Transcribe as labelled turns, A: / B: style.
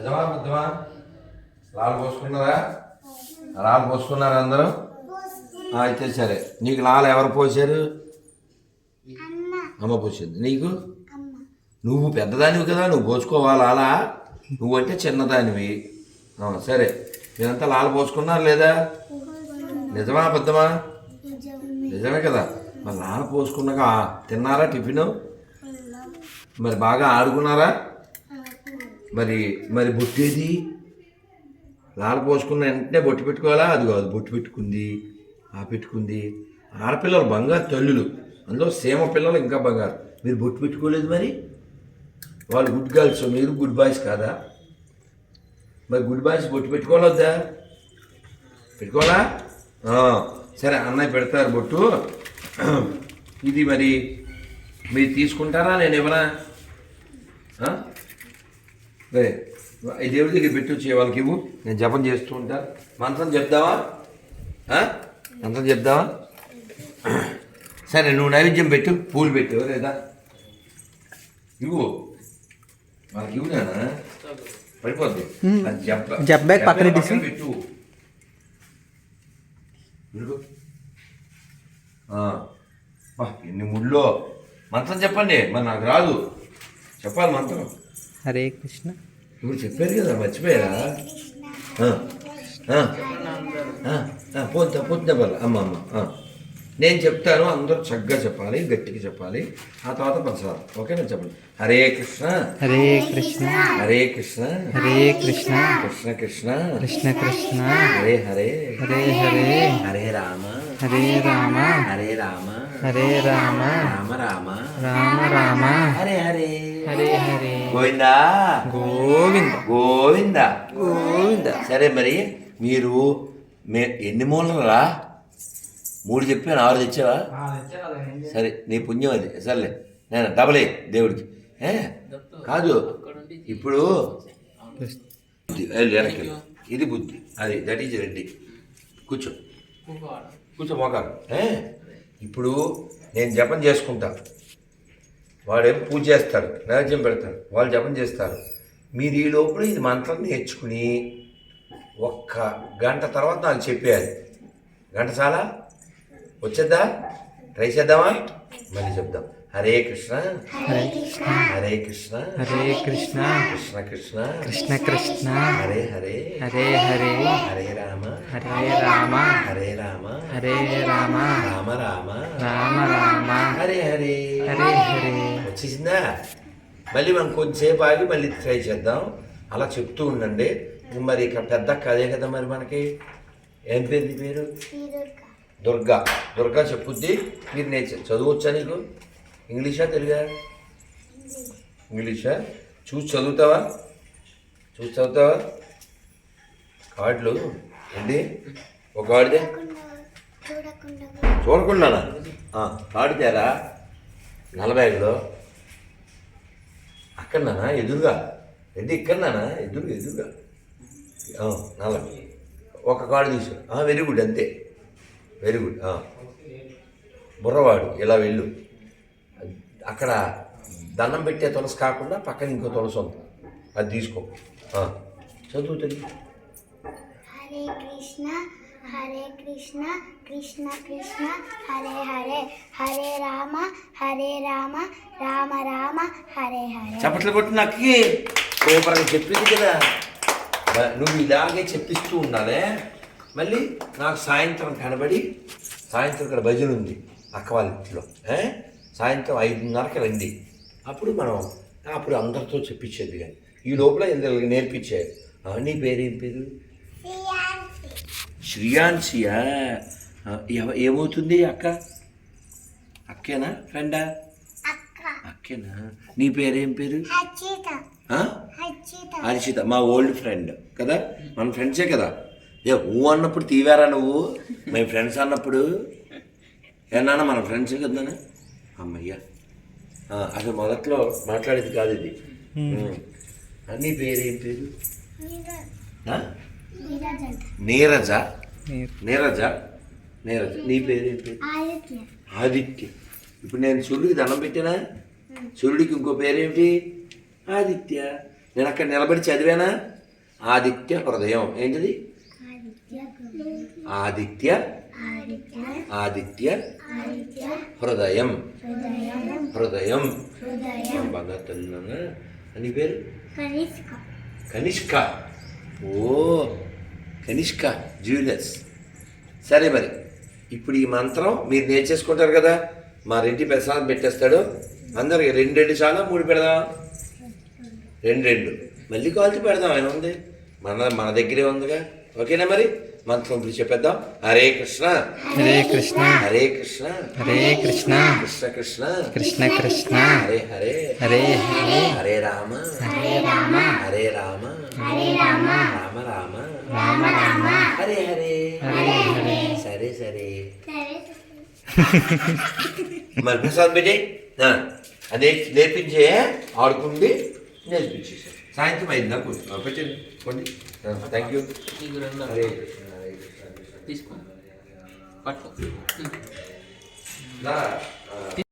A: నిజమా అబద్ధమా? లాలు పోసుకున్నారా? లాలు పోసుకున్నారా అందరూ? అయితే సరే. నీకు లాలు ఎవరు పోసారు? అమ్మ పోసింది. నీకు? నువ్వు పెద్దదానివి కదా, నువ్వు పోసుకోవాలి లాలా. నువ్వంటే చిన్నదానివి. సరే, మీరంతా లాలు పోసుకున్నారు లేదా? నిజమా అబద్ధమా? నిజమే కదా. మరి లాలు పోసుకున్నాక తిన్నారా టిఫిన్? మరి బాగా ఆడుకున్నారా? మరి మరి బొట్టేది? లాలు పోసుకున్న వెంటనే బొట్టు పెట్టుకోవాలా? అది కాదు, బొట్టు పెట్టుకుంది, పెట్టుకుంది. ఆడపిల్లలు బంగారు తల్లులు, అందులో సీమ పిల్లలు ఇంకా బంగారు. మీరు బొట్టు పెట్టుకోలేదు, మరి వాళ్ళు గుడ్ గర్ల్స్, మీరు గుడ్ బాయ్స్ కాదా? మరి గుడ్ బాయ్స్ బొట్టు పెట్టుకోవాలొద్దా? పెట్టుకోవాలా? సరే, అన్నయ్య పెడతారు బొట్టు. ఇది మరి మీరు తీసుకుంటారా, నేను ఇవ్వనా? సరే, ఈ దేవుడి దగ్గర పెట్టి వచ్చే వాళ్ళకి ఇవ్వు, నేను జపం చేస్తూ ఉంటా. మంత్రం చెప్దావా? మంత్రం చెప్దావా? సరే, నువ్వు నైవేద్యం పెట్టు, పూలు పెట్టు లేదా ఇవ్వు వాళ్ళకి. ఇవ్వు నానా, పడిపోద్ది. పెట్టు. ఎన్ని ముళ్ళో. మంత్రం చెప్పండి, మరి నాకు రాదు. చెప్పాలి మంత్రం.
B: హరే కృష్ణ.
A: ఇప్పుడు చెప్పారు కదా, మర్చిపోయారా? పోతే పర్లే. అమ్మ నేను చెప్తాను, అందరూ చక్కగా చెప్పాలి, గట్టిగా చెప్పాలి. ఆ తర్వాత పంచదార. ఓకేనా? చెప్పండి. హరే కృష్ణ
B: హరే కృష్ణ
A: హరే కృష్ణ
B: హరే కృష్ణ
A: కృష్ణ కృష్ణ
B: కృష్ణ కృష్ణ
A: హరే హరే
B: హరే హరే
A: హరే రామ
B: హరే రామ
A: హరే రామ
B: హరే రామ
A: రామ రామ
B: రామ రామ
A: హరే హరే
B: హరే హరే
A: గోవిందా
B: గోవింద
A: గోవింద
B: గోవింద.
A: సరే, మరి మీరు ఎన్ని మూలరా? 3 చెప్పాను, 6 తెచ్చావా? సరే, నీ పుణ్యం అది. సర్లే, నేను డబలే దేవుడికి. కాదు, ఇప్పుడు వెనక్కి ఇది బుద్ధి, అది దట్ ఈజ్ రెడ్డి. కూర్చో కూర్చో మోకాలు. ఇప్పుడు నేను జపం చేసుకుంటా, వాడేమో పూజ చేస్తాడు, నైవేద్యం పెడతాడు, వాళ్ళు జపం చేస్తారు. మీరు ఈ లోపల ఇది మంత్రం నేర్చుకుని 1 గంట తర్వాత నాకు చెప్పేయాలి. గంట చాలా వచ్చేద్దా? ట్రై చేద్దామా? మళ్ళీ చెప్దాం. హరే కృష్ణ
B: హరే కృష్ణ
A: హరే కృష్ణ
B: హరే కృష్ణ
A: కృష్ణ కృష్ణ
B: కృష్ణ కృష్ణ
A: హరే హరే
B: హరే హరే
A: హరే రామ
B: హరే రామ
A: హరే రామ
B: హరే రామ
A: రామ రామ
B: రామ రామ
A: హరే హరే
B: హరే హరే.
A: వచ్చేసిందా? మళ్ళీ మనం కొంచెంసేపు ఆగి మళ్ళీ ట్రై చేద్దాం. అలా చెప్తూ ఉండండి. మరి ఇక్కడ పెద్ద కదే కదా మరి మనకి. ఏం పేరు నీ పేరు? దుర్గా. దుర్గా చెప్పుద్ది. మీరు నేను చదువచ్చా? నీకు ఇంగ్లీషా తెలుగా? ఇంగ్లీషా? చూసి చదువుతావా? కార్డులు ఏంటి? ఒక కార్డుదే చూడకుండానా? కార్డు తేరా. నల్లబ్యాగులో అక్కడనా? ఎదురుగా ఏంటి? ఇక్కడనా? ఎదురుగా నల్ల. ఒక కార్డు తీసు. వెరీ గుడ్, అంతే. Very good. బుర్రవాడు. ఇలా వెళ్ళు. అక్కడ దండం పెట్టే తులసి కాకుండా పక్కన ఇంకో తులసి ఉంది, అది తీసుకో. చదువుతుంది.
C: హరే కృష్ణ హరే కృష్ణ కృష్ణ కృష్ణ హరే హరే హరే రామ రామ రామ హరే హరే.
A: చప్పట్లు కొట్టి నాకు సూపర్గా చెప్పింది కదా. నువ్వు ఇలాగే చెప్పిస్తూ ఉండాలి. మళ్ళీ నాకు సాయంత్రం కనబడి, సాయంత్రం ఇక్కడ భజన ఉంది అక్క వాళ్ళ ఇంట్లో. సాయంత్రం 5:30కి రండి. అప్పుడు అప్పుడు అందరితో చెప్పించేది. కానీ ఈ లోపల ఇందులో నేర్పించేది. నీ పేరేం పేరు? శ్రీయాన్సియా. ఏమవుతుంది అక్క? అక్కేనా? ఫ్రెండా? అక్కేనా? నీ పేరేం పేరు? హర్షిత. మా ఓల్డ్ ఫ్రెండ్ కదా, మన ఫ్రెండ్సే కదా. అన్నప్పుడు తీవారా నువ్వు? మేము ఫ్రెండ్స్ అన్నప్పుడు ఏమన్నా మన ఫ్రెండ్స్ కదా. అమ్మయ్యా, అసలు మొదట్లో మాట్లాడేది కాదు ఇది. నీ పేరేం పేరు? నీరజ. నీరజ. నీ పేరేం పేరు? ఆదిత్య. ఇప్పుడు నేను సూర్యుడికి దండం పెట్టానా? సూర్యుడికి ఇంకో పేరేమిటి? ఆదిత్య. నేను అక్కడ నిలబడి చదివానా? ఆదిత్య హృదయం. ఏంటిది? ఆదిత్య ఆదిత్య హృదయం. హృదయం. బాగా తిన్నాను. అని పేరు కనిష్క. ఓ కనిష్క జ్యువెలర్స్. సరే మరి ఇప్పుడు ఈ మంత్రం మీరు నేర్చేసుకుంటారు కదా. మా రెడ్డి ప్రసాదం పెట్టేస్తాడు. అందరికి 2 చాలా 3 పెడదాం. 2 మళ్ళీ కాల్చి పెడదాం. ఆయన ఉంది మన దగ్గరే ఉందిగా. ఓకేనా మరి మంత్రం ఇప్పుడు చెప్పేద్దాం. హరే కృష్ణ
B: హరే కృష్ణ
A: హరే కృష్ణ
B: హరే కృష్ణ
A: కృష్ణ కృష్ణ
B: కృష్ణ కృష్ణ
A: హరే హరే
B: హరే హరే
A: హరే రామ
B: హరే రామ
A: హరే రామ రామ రామ హరే హరే
B: హరే హరే.
A: సరే సరే మరి ప్రసాద్ పెట్టే అదే నేర్పించే ఆడుకుండి నేర్పించేసారు. సాయంత్రం అయిందా కూర్చున్నా పెట్టండి కొన్ని. Thank you. హరే కృష్ణ హరే కృష్ణ
B: తీసుకో పట్టు.
A: నా